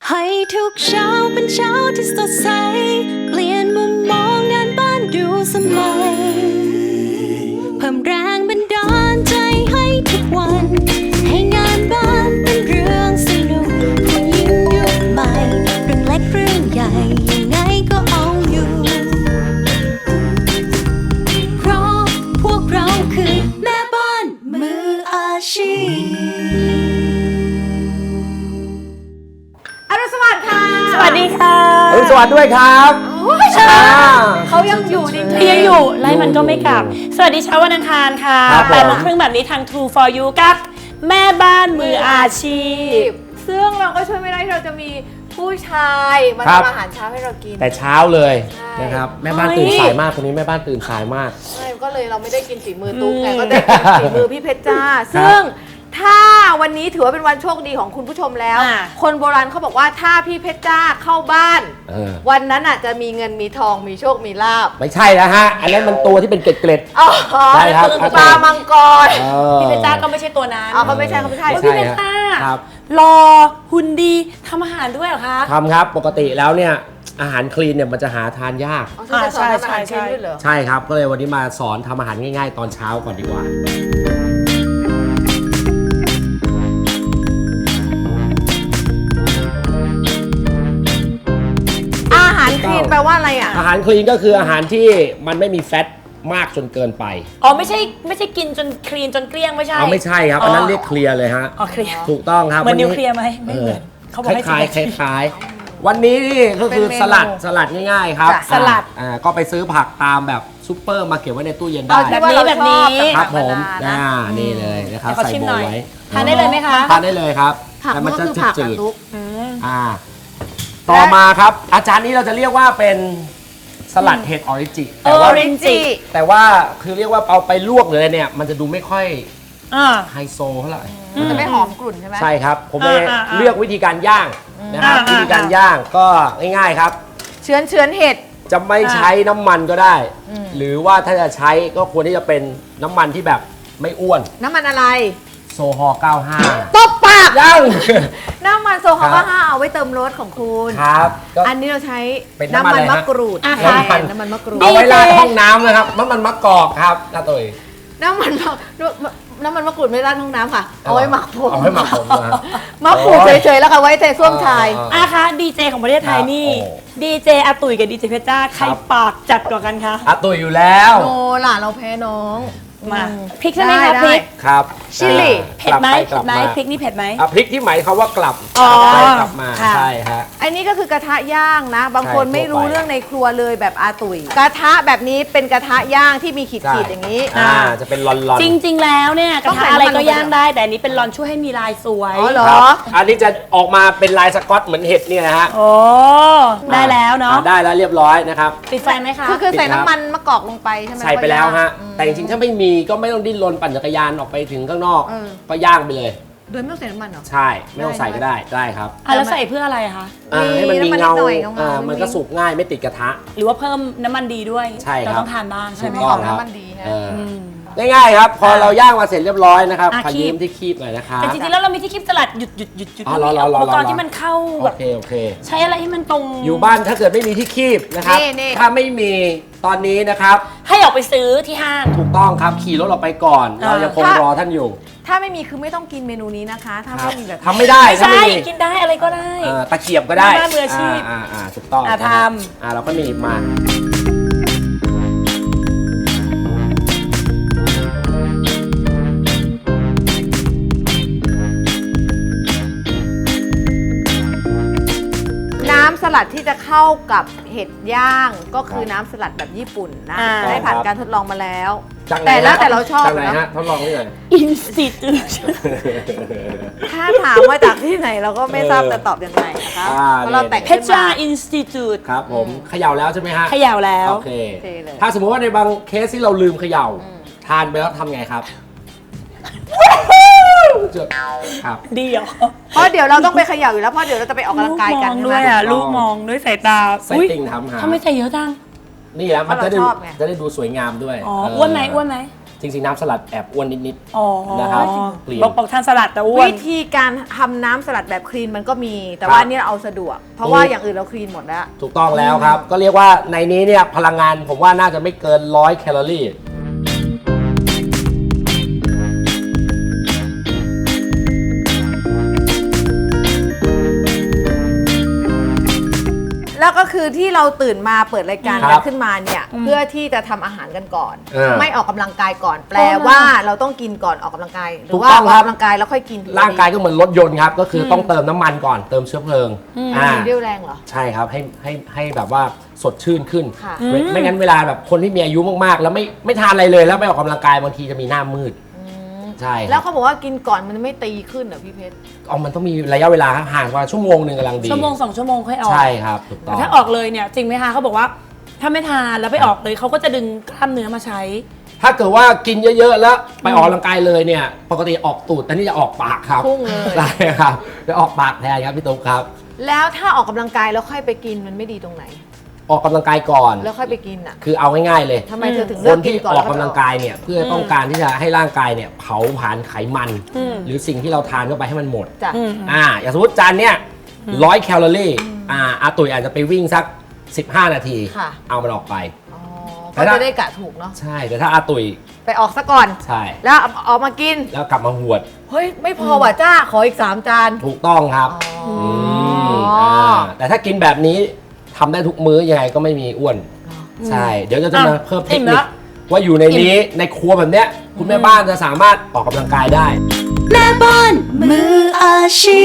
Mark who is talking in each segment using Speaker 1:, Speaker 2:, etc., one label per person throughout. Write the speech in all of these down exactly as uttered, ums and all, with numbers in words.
Speaker 1: ให้ทุกเช้าเป็นเช้าที่สดใสเปลี่ยนมุมมองงานบ้านดูสมัยเพิ่มแรงบันดาลใจให้ทุกวันให้งานบ้านเป็นเรื่องสนุกผู้หญิงยุคใหม่เรื่องเล็กเรื่องใหญ่ยังไงก็เอาอยู่เพราะพวกเราคือแม่บ้านมืออาชีพ
Speaker 2: สวัสดีค่ะ
Speaker 3: สวัสดีค่ะ
Speaker 4: อรุณสวัสดิ์ด้วยครับ
Speaker 2: เขายังอยู่จริงๆ
Speaker 3: ยังอยู่ไล่มันก็ไม่กลับสวัสดีเช้าวันอังคารค่ะแปดโมงครึ่งแบบนี้ทาง True for You กับแม่บ้านมืออาชีพ
Speaker 2: ซึ่งเราก็ช่วยไม่ได้ที่เราจะมีผู้ชายมาทำอาหารเช้าให้เรากิน
Speaker 4: แต่เช้าเลยนะครับแม่บ้านตื่นสายมากคนนี้แม่บ้านตื่นสายมาก
Speaker 2: ใช่ก็เลยเราไม่ได้กินฝีมือตุ๊กไงก็ได้กินฝีมือพี่เพชรจ้าซึ่งถ้าวันนี้ถือว่าเป็นวันโชคดีของคุณผู้ชมแล้วคนโบราณเขาบอกว่าถ้าพี่เพชรจ้าเข้าบ้านวันนั้นอ่ะจะมีเงินมีทองมีโชคมีลาภ
Speaker 4: ไม่ใช่แล้วฮะอันนั้นมันตัวที่เป็นเกล็ด
Speaker 2: ๆใช่ครับปลามังกร
Speaker 3: พี่เพชรจ้าก็ไม่ใช่ตัวนั้น
Speaker 2: อ๋อเขาไม่ใช่เขาไม่ใช่
Speaker 3: พี่เพชรจ้ารอหุ่นดีทำอาหารด้วยเหรอคะ
Speaker 4: ทำครับปกติแล้วเนี่ยอาหารคลีนเนี่ยมันจะหาทานยาก
Speaker 2: ใช่ใช่ใช่
Speaker 4: ใช่ครับก็เลยวันนี้มาสอนทำอาหารง่ายๆตอนเช้าก่อนดีกว่า
Speaker 2: อาหารคลีนแปลว่าอะไรอ่ะ
Speaker 4: อาหารคลีนก็คืออาหารที่มันไม่มีแฟตมากจนเกินไป
Speaker 3: อ๋อไม่ใช่ไม่ใช่กินจนคลีนจนเกลี้ยงไม่ใช่
Speaker 4: อ๋อไม่ใช่ครับอันนั้นเรียกเคลียร์เลยฮะ
Speaker 3: อ๋อเคลียร์
Speaker 4: ถูกต้องครับ
Speaker 3: เหมือนนิวเคลียร์ไหมไม่เหมือน
Speaker 4: เขาบอกให้คล้ายคล้ายวันนี้นี่ก็คือสลัดสลัดง่ายๆครับ
Speaker 3: สลัด
Speaker 4: อ่าก็ไปซื้อผักตามแบบซุปเปอร์มาเก็บไว้ในตู้เย็นได้
Speaker 3: แบบนี้แบบนี้
Speaker 4: ครับผมอ่านี่เลยนะครับใส่โบไว้
Speaker 3: ทานได้เลยไหมคะ
Speaker 4: ทานได้เลยครับแต่มันจะจืด
Speaker 2: ๆ
Speaker 4: อ่าต่อมาครับอาจารย์นี้เราจะเรียกว่าเป็นสลัดเห็ดออริจิ
Speaker 3: แต่ว่า
Speaker 4: แต่ว่าคือเรียกว่าเอาไปลวกเลยเนี่ยมันจะดูไม่ค่อยไฮโซเท่าไหร่
Speaker 2: มันจะไม่หอมกลุ่นใช่ไหม
Speaker 4: ใช่ครับผมเลยเลือกวิธีการย่างนะครับวิธีการย่างก็ง่ายๆครับ
Speaker 2: เชื้อนเชื้อนเห็ด
Speaker 4: จะไม่ใช้น้ำมันก็ได้หรือว่าถ้าจะใช้ก็ควรที่จะเป็นน้ำมันที่แบบไม่อ้วน
Speaker 2: น้ำมันอะไร
Speaker 4: โซฮอล์เก้าสิบห้า
Speaker 2: ตบปาก
Speaker 4: ย่าง
Speaker 2: น้ำมันโซฮอล์เก้าสิบห้าเอาไว้เติมรสของคุณ
Speaker 4: ครับ
Speaker 2: อันนี้เราใช้น้ำมันมะกรูด
Speaker 4: น้ำมัน
Speaker 2: น้ำมันมะกรูด
Speaker 4: เอาไว้ราดห้องน้ำนะครับน้ำมันมะกอกครับน้าตุ๋ย
Speaker 2: น้ำมันน้ำมันมะกรูดไม่ราดห้องน้ำค่ะเอาไว้หมักผม
Speaker 4: เอาไว้หมักผม
Speaker 2: มะกรูดเฉยๆแล้วค่ะไว้แต่ส้วมชาย
Speaker 3: อาคะดีเจของประเทศไทยนี่ดีเจอาตุ๋ยกับดีเจเพชรจ้าใครปากจัดกว่ากันคะ
Speaker 4: อาตุ๋ยอยู่แล้ว
Speaker 2: โนล่ะเราแพ้น้อง
Speaker 3: มาพริกใช่ไหมคะพริก
Speaker 4: ครับ
Speaker 2: ชิลลี่
Speaker 3: เผ็ดไหมเผ็ดไหมพริกนี่เผ็ดไหม
Speaker 4: พริกที่หมายเขาว่ากลับกลับมาใช่ฮะ
Speaker 2: อันนี้ก็คือกระทะย่างนะบางคนไม่รู้เรื่องในครัวเลยแบบอาตุ๋ยกระทะแบบนี้เป็นกระทะย่างที่มีขีดๆอย่างนี้
Speaker 4: อ่าจะเป็นลอน
Speaker 3: ๆจริงๆแล้วเนี่ยกระทะอะไรก็ย่างได้แต่อันนี้เป็นลอนช่วยให้มีลายสวย
Speaker 2: อ๋อเหรอ
Speaker 4: อันนี้จะออกมาเป็นลายสก๊อตเหมือนเห็ดเนี่ยนะฮะ
Speaker 3: โอ้ได้แล้วเนาะ
Speaker 4: ได้แล้วเรียบร้อยนะครับ
Speaker 3: ปิดไฟไหมคะ
Speaker 2: คือใส่น้ำมันมะกอกลงไปใช่ไหม
Speaker 4: ใส่ไปแล้วฮะแต่จริงๆถ้าไม่มีก็ไม่ต้องดิ้นรนปั่นจักรยานออกไปถึงข้างนอกก็ย่างไปเลย
Speaker 2: โดยไม่ต้องใส่น้ำมันเหรอ
Speaker 4: ใช่ไม่ต้องใส่ก็ได้ได้ครับ
Speaker 3: แล้วใส่เพื่ออะไรคะ
Speaker 4: ให้มันมีเงามันก็สุกง่ายไม่ติดกระทะ
Speaker 3: หรือว่าเพิ่มน้ำมันดีด้วย
Speaker 4: ใช่ครับ
Speaker 3: เราต้องทานบ้างใช่ไหม
Speaker 2: หอมน้ำมันดี
Speaker 4: ง่ายๆครับพอเราย่างมาเสร็จเรียบร้อยนะครับขยี้ที่คีบหน่อยนะครับ
Speaker 3: แต่จริงๆแล้วเรามีที่คีบสลัดหยุดหยุดหยุดหยุดอุปกรณ์ที่มันเข้าแบบใช้อะไรให้มันตรง
Speaker 4: อยู่บ้านถ้าเกิดไม่มีที่คีบนะครับถ้าไม่มีตอนนี้นะครับ
Speaker 3: ให้ออกไปซื้อที่ห้าง
Speaker 4: ถูกต้องครับขี่รถออกไปก่อนเรายังคงรอท่านอยู่
Speaker 2: ถ้าไม่มีคือไม่ต้องกินเมนูนี้นะคะถ้าไม่มีแบบ
Speaker 4: ทำไม่ได้
Speaker 3: ใช่กินได้อะไรก็ได้
Speaker 4: ตะเกียบก็ได้
Speaker 3: มืออาชีพ
Speaker 4: อ่าถูกต้อง
Speaker 3: ทำ
Speaker 4: อ่าเราก็หนีบมา
Speaker 2: น้ำสลัดที่จะเข้ากับเห็ดย่างก็คือน้ำสลัดแบบญี่ปุ่นนะได้ผ่านการทดลองมาแล้วแต่แล้วแต่เราชอบ
Speaker 4: นะฮะทดลองที่ไหน
Speaker 3: Institute
Speaker 2: ถ้าถามว่าจากที่ไหนเราก็ไม่ทราบจะตอบยังไงนะคะเพราะเราแต่ง
Speaker 3: เพชร Institute
Speaker 4: ครับผมเขย่าแล้วใช่ไหมฮะ
Speaker 3: เขย่าแล้ว
Speaker 4: โอเคถ้าสมมติว่าในบางเคสที่เราลืมเขย่าทานไปแล้วทำไงครับ
Speaker 3: ครับดีเหรอ
Speaker 2: เพราะเดี๋ยวเราต้องไปเขย่าอยู่แล้วเพราะเดี๋ยวเราจะไปออกกำลังกายกัน
Speaker 3: ด้วยอ่ะลูกมองด้วยสายตา
Speaker 4: ใส่ติ่งทำหา
Speaker 3: ทำไมใส่เยอะจัง
Speaker 4: นี่แหละมันจะได้จะได้ดูสวยงามด้วย
Speaker 3: อ๋ออ้วนไหมอ้วนไหม
Speaker 4: จริงๆน้ำสลัดแอบอ้วนนิด
Speaker 3: อ๋อ
Speaker 4: นะครับคลีน
Speaker 3: บอกบอกทานสลัดแต่อ้วน
Speaker 2: วิธีการทำน้ำสลัดแบบคลีนมันก็มี แต่ว่า
Speaker 4: ครับ
Speaker 2: นี่เราเอาสะดวก เพราะว่าอย่างอื่นเราคลีนหมดแล้ว
Speaker 4: ๆถูกต้องแล้วครับ ก็เรียกว่าในนี้เนี่ยพลังงานผมว่าน่าจะไม่เกินร้อยแคลอรี่
Speaker 2: แล้วก็คือที่เราตื่นมาเปิดรายการ
Speaker 4: ครั
Speaker 2: กัน
Speaker 4: บ
Speaker 2: ขึ้นมาเนี่ยเพื่อที่จะทำอาหารกันก่อน
Speaker 4: เออ
Speaker 2: ไม่ออกกำลังกายก่อน แปลว่าเราต้องกินก่อนออกกำลังกายหรื
Speaker 4: ถู
Speaker 2: อก ว่า
Speaker 4: ต้
Speaker 2: อ
Speaker 4: อง
Speaker 2: อก
Speaker 4: ครับ
Speaker 2: กำลังกายแล้วค่อยกิน
Speaker 4: ร่างกายก็เหมือนรถยนต์ครับ ก็คือต้องเติมน้ำมันก่อนเติมเชื้อเพลิงอ่า
Speaker 2: มีเรี่ยวแรงเหรอ
Speaker 4: ใช่ครับให้ให้ให้แบบว่าสดชื่นขึ้น
Speaker 2: ค่ะ
Speaker 4: ไม่ไม่งั้นเวลาแบบคนที่มีอายุมากๆ แล้วไม่ไม่ทานอะไรเลยแล้วไม่ออกกำลังกายบางทีจะมีหน้ามืดใช่ค
Speaker 2: แล้
Speaker 4: รั
Speaker 2: ว
Speaker 4: บ
Speaker 2: เขาบอกว่ากินก่อนมันไม่ตีขึ้นเหรอพี่เพชร
Speaker 4: เอามันต้องมีระยะเวลาครับห่างกว่าชั่วโมงหนึ่งกำลังดี
Speaker 3: ชั่วโมงสองชั่วโมงค่อยออก
Speaker 4: ใช่ครับถูกต้
Speaker 3: แต่
Speaker 4: อง
Speaker 3: ถ้าออกเลยเนี่ยจริงไหมคะเขาบอกว่าถ้าไม่ทานแล้วไปออกเลยเขาก็จะดึงกล้ามเนื้อมาใช้
Speaker 4: ถ้าเกิดว่ากินเยอะๆ แล้วไปออกกำลังกายเลยเนี่ยปกติออกตูดแต่นี่จะออกปากครับ
Speaker 2: พุ่งเลย
Speaker 4: ใช่ครับจะออกปากแทนครับพี่ตุ๊กครับ
Speaker 2: แล้วถ้าออกกำลังกายแล้วค่อยไปกินมันไม่ดีตรงไหน
Speaker 4: ออกกำลังกายก่อน
Speaker 2: แล้วค่อยไปกินอ่ะ
Speaker 4: คือเอาง่ายๆเลย
Speaker 2: ทำไมเธอถึง
Speaker 4: ค
Speaker 2: เลือก
Speaker 4: น
Speaker 2: กิ
Speaker 4: ที่
Speaker 2: นก่อน
Speaker 4: อ
Speaker 2: แล้
Speaker 4: อ
Speaker 2: ว
Speaker 4: ก
Speaker 2: ค่
Speaker 4: กำ
Speaker 2: อย
Speaker 4: ลังกายเนี่ยเพื่อต้องการที่จะให้ร่างกายเนี่ยเผาผลาญไขมัน หรือสิ่งที่เราทานเข้าไปให้มันหมด
Speaker 2: จ้ะ
Speaker 4: อ่าอย่างสมมติจานเนี่ยร้อยแคลอรี่อ่าอาตุ๋ยอาจจะไปวิ่งสักสิบห้านาที
Speaker 2: ค่ะ
Speaker 4: เอามันออกไป
Speaker 2: อ๋อ
Speaker 4: แต่
Speaker 2: ก็
Speaker 4: ถ้า
Speaker 2: จะได้กะถูกเนาะ
Speaker 4: ใช่แต่ถ้าอาตุ๋ย
Speaker 2: ไปออกซะก่อน
Speaker 4: ใช่
Speaker 2: แล้วเอาออกมากิน
Speaker 4: แล้วกลับมาหวด
Speaker 2: เฮ้ย ไม่พอว่ะจ้า ขออีกสามจาน
Speaker 4: ถูกต้องครับ
Speaker 2: อ๋อ
Speaker 4: มอ่าแต่ถ้ากินแบบนี้ทำได้ทุกมื้อยังไงก็ไม่มีอ้วน ใช่ เดี๋ยวจะจะมา
Speaker 3: อ่ะ
Speaker 4: เพิ่มเท
Speaker 3: อิ่
Speaker 4: ค
Speaker 3: ม
Speaker 4: นิ
Speaker 3: แล้
Speaker 4: คว ว่าอยู่ในนี้ในครัวแบบเนี้ยคุณแม่บ้านจะสามารถออกกำลังกายได้
Speaker 1: แม่บ้านมืออาชี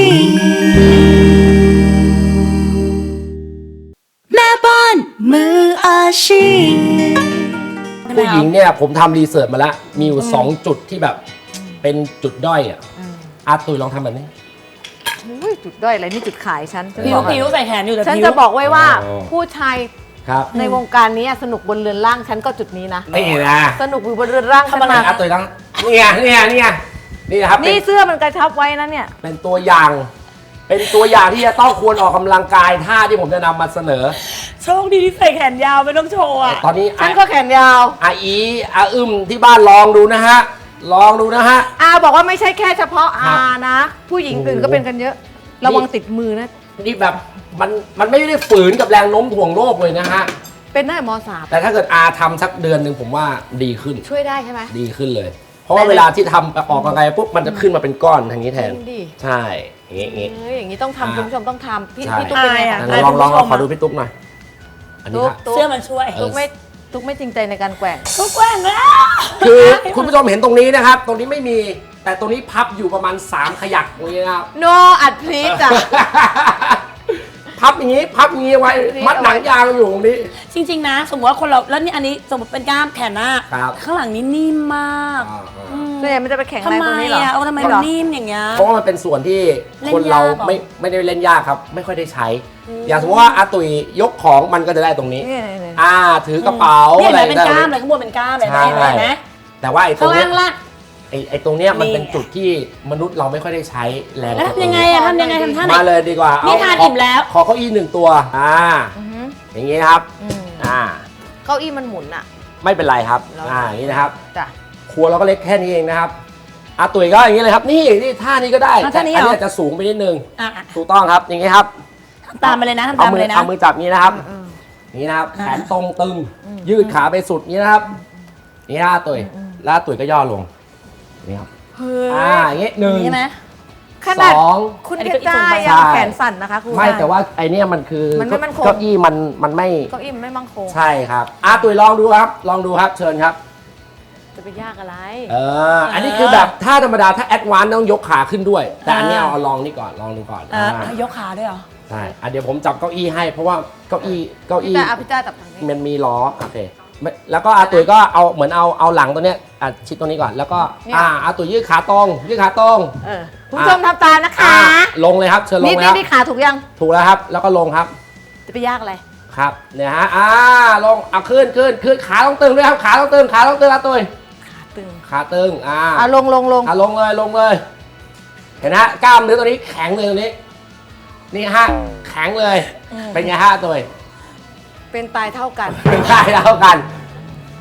Speaker 1: พ แม่บ้านมืออาชีพ
Speaker 4: ผู้หญิงเนี่ยผมทำรีเสิร์ชมาแล้ว มีอยู่สองจุดที่แบบเป็นจุดด้อยอ่ะอาตุยลองทำแบบนี้
Speaker 2: อุ้ยจุดด้อยอะไรนี่จุดขายฉันฉัน
Speaker 3: ผิ
Speaker 2: บ
Speaker 3: ว
Speaker 2: อก
Speaker 3: ผิวใส่แขนอยู่แต่
Speaker 2: ฉัน
Speaker 3: ผิว
Speaker 2: จะบอกไว้ว่า
Speaker 4: อ๋อ
Speaker 2: ผู้ชาย
Speaker 4: ครับ
Speaker 2: ในวงการนี้สนุกบนเรือนร่างฉันก็จุดนี้นะ
Speaker 4: นี่นะ
Speaker 2: สนุกอยู่บนเรือนร่างฉันมา
Speaker 4: อาตุยต้องนี่ไงนี่ไงนี่ไงนี่นะครับเป็
Speaker 2: นี่
Speaker 4: น
Speaker 2: เสื้อมันกระชับไว้นะเนี่ย
Speaker 4: เป็นตัวอย่าง เป็นตัวอย่างที่จะต้องควรออกกำลังกายท่าที่ผมจะนำมาเสนอ
Speaker 3: โชคดีที่ใส่แขนยาวไม่ต้องโชว์อ่ะ
Speaker 4: ตอนนี้
Speaker 2: ฉันก็แขนยาว
Speaker 4: อาอีอาอึมที่บ้านลองดูนะฮะลองดูนะฮะ
Speaker 2: อาบอกว่าไม่ใช่แค่เฉพาะ
Speaker 4: ครั
Speaker 2: อา
Speaker 4: บ
Speaker 2: นะ ผู้หญิงอื่น
Speaker 4: โอ้โห
Speaker 2: ก็เป็นกันเยอะ ระวังติดมือนะ
Speaker 4: นี่แบบมันมันไม่ได้ฝืนกับแรงโน้มถ่วงโลกเลยนะฮะ
Speaker 2: เป็นได้มสาม
Speaker 4: แต่ถ้าเกิดอาทำสักเดือนหนึ่งผมว่าดีขึ้น
Speaker 2: ช่วยได้ใช่ไหม
Speaker 4: ดีขึ้นเลย เพราะว่าเวลาที่ทำออกกำลังกายปุ๊บมันจะขึ้นมาเป็นก้อนทางนี้แทน
Speaker 2: จริงดิ
Speaker 4: ใช่อย่างงี้อย่างงี้
Speaker 2: เอ้ยอย่างนี้ต้องทำ
Speaker 4: อ่า
Speaker 2: คุณผู้ชมต้องทำพี่
Speaker 4: ใช่
Speaker 2: พี่ตุ๊กเป็นไง
Speaker 3: อาย
Speaker 2: คะ
Speaker 3: อะ
Speaker 4: ลองลองลอง
Speaker 3: คุณผู้ชม
Speaker 4: ขอดูพี่ตุ๊กหน่อยอันนี้
Speaker 2: ตุ๊ก
Speaker 4: ค่ะ
Speaker 2: ตุ๊ก
Speaker 3: เสื้อมันช่วย
Speaker 2: ตุ๊กไม่ตุ๊กไม่จริงใจในการแกว่ง
Speaker 3: ทุกแกว่งแล้ว
Speaker 4: คือคุณผู้ชมเห็นตรงนี้นะครับ ตรงนี้ไม่มีแต่ตรงนี้พับอยู่ประมาณสามขยักตรงนี้นะครับ
Speaker 2: โนอัดพลีจ้ะ
Speaker 4: พับอย่างนี้พับอย่างนี้ไว้มัดหนังยางอยู่ตรงนี้
Speaker 3: จริงๆนะ สมมติว่าคนเราแล้วนี่อันนี้สมมติเป็นกล้ามแขนหน้า
Speaker 4: ครับ
Speaker 3: ข้างหลังนี่นิ่มมาก
Speaker 2: ส่วนใหญ่มันจะไปแข่ง
Speaker 3: ทำ
Speaker 2: แรง
Speaker 3: ไม
Speaker 2: ตรงนี้เหรอ
Speaker 3: อ่ะเออทำไม
Speaker 2: เห
Speaker 3: มั
Speaker 2: ร
Speaker 3: น
Speaker 2: อ
Speaker 3: นิ่มอย่างเงี้ย
Speaker 4: เพราะว่ามันเป็นส่วนที่
Speaker 3: เล่น
Speaker 4: คนเรา
Speaker 3: ยากเหรอ
Speaker 4: ไม่ไม่ได้เล่นยากครับ ไม่ค่อยได้ใช้ อย่างสมมติว่าอาตุยยกของมันก็จะได้ตรงนี้
Speaker 2: นี่นี่
Speaker 4: อ่าถือกระเป๋า
Speaker 3: เนี่ย
Speaker 4: อะไร
Speaker 3: เห็นไหมเป็นกล้ามเลยข้างบนเป็นกล้ามเลย
Speaker 4: ใช่
Speaker 3: เห็นไหมเห็นไหม
Speaker 4: แต่ว่าไอ้ตร
Speaker 3: ข้าง ง
Speaker 4: เนี้
Speaker 3: ล่าย งล่าง
Speaker 4: ไอ้ไอ้ตรงเนี้ยมัน
Speaker 3: นี่
Speaker 4: เป็นจุดที่มนุษย์เราไม่ค่อยได้ใช้แรง
Speaker 3: แล้วทำยังไงอะทำยังไงทำท่าไหน
Speaker 4: มาเลยดีกว่า
Speaker 3: นี่
Speaker 4: เอา
Speaker 3: ทาน
Speaker 4: ข
Speaker 3: อิ่มแล้ว
Speaker 4: ขอเก้าอี้หนึ่งตัวอ่า
Speaker 2: อือหือ
Speaker 4: อย่างงี้นะครับ
Speaker 2: อืม
Speaker 4: อ่า
Speaker 2: เก้าอี้มันหมุนอ่ะ
Speaker 4: ไม่เป็นไรครับ
Speaker 2: แล้ว
Speaker 4: อ่าอย่างนี้นะครับ
Speaker 2: จ้ะ
Speaker 4: ครัวเราก็เล็กแค่นี้เองนะครับอาตุยก็อย่างนี้เลยครับ นี่นี่ท่านี้ก็ได้
Speaker 3: อ่ะ
Speaker 4: แต่
Speaker 3: ท่านี้
Speaker 4: อัน
Speaker 3: เหรอ
Speaker 4: นี้อาจจะสูงไปนิดนึง
Speaker 3: อ่ะ
Speaker 4: ถูกต้องครับอย่างนี้ครับ
Speaker 3: ทำตามไปเลยนะทำ
Speaker 4: เอา
Speaker 3: ตามไป
Speaker 4: มือ
Speaker 3: เลยนะ
Speaker 4: เอามือจับอย่างนี้นะครับ
Speaker 2: อืม
Speaker 4: อย่างนี้นะครับ
Speaker 3: อ่า
Speaker 4: แขนตรงตึง ยืดขาไปสุดอย่างนี้นะครับนี่นะอาตุยแล้วอาตุยก็ย่อลงนี่ครับ
Speaker 2: เฮ้ย
Speaker 4: อ่าอย่างนี้หนึ่ง
Speaker 3: ใช่ไหม
Speaker 2: ขนาด
Speaker 4: สอง
Speaker 2: คุณ
Speaker 3: อันนี้
Speaker 2: เพชรจ้า
Speaker 3: ก็อีก
Speaker 2: ยัง
Speaker 4: ใช่
Speaker 2: แขนสั่นนะคะคุณ
Speaker 4: ไม่แต่ว่าไอเนี้ยมันคือ
Speaker 2: มันไม่มั่นคง
Speaker 4: เก้าอี้มันมันไม่
Speaker 2: เก้าอี้มันไม่มั่งคง
Speaker 4: ใช่ครับอาตุยลองดูครับ ลองดูครับเชิญครับ
Speaker 2: จะไปยากอะไร
Speaker 4: เอออันนี้คือแบบถ้าธรรมดาถ้าแอดวานซ์ต้องยกขาขึ้นด้วย แต่อันนี้เอาเอาลองนี่ก่อนลองดูก่อน
Speaker 3: อ่ะ
Speaker 4: อ่า
Speaker 3: ยกขาด้วยเหรอ
Speaker 4: ใช่อ่ะเดี๋ยวผมจับเก้าอี้ให้เพราะว่าเก้าอี้เก้า
Speaker 2: พี่
Speaker 4: อี้
Speaker 2: จ้าเอาพี่จ้าจับทางนี้
Speaker 4: มันมีล้อโอเคไม่แล้วก็อาตุยก็เอาเหมือนเอาเอาหลังตัวเนี้ยอ่ะชิดตรงนี้ก่อนแล้วก็อ่าอาตุยยืดขาตรงยืดขาตรง
Speaker 2: เออคุณผู้ชมทำตามนะคะ
Speaker 4: อ่าลงเลยครับเชิญลง
Speaker 2: นี่
Speaker 4: เลย
Speaker 2: นี่
Speaker 4: ครับ
Speaker 2: นี่ขาถูกยัง
Speaker 4: ถูกแล้วครับ แล้วก็ลงครับ
Speaker 2: จะไปยากอะไร
Speaker 4: ครับเนี่ยฮะอ่าลงเอาขึ้นขึ้นขึ้นขาต้องตึงด้วยครับขาต้องตึงขาต้องตึงอาตุย
Speaker 2: ขาตึง
Speaker 4: ขาตึงอ่า
Speaker 2: อ่ะลงลงลง
Speaker 4: อ่ะลงเลยลงเลย เห็นนะฮะกล้ามเนื้อตัวนี้แข็งเลยตัวนี้นี่ฮะแข็งเลยเป็นไงฮะอาตุย
Speaker 2: เป็นตายเท่ากัน
Speaker 4: เป็นได้แล้วกัน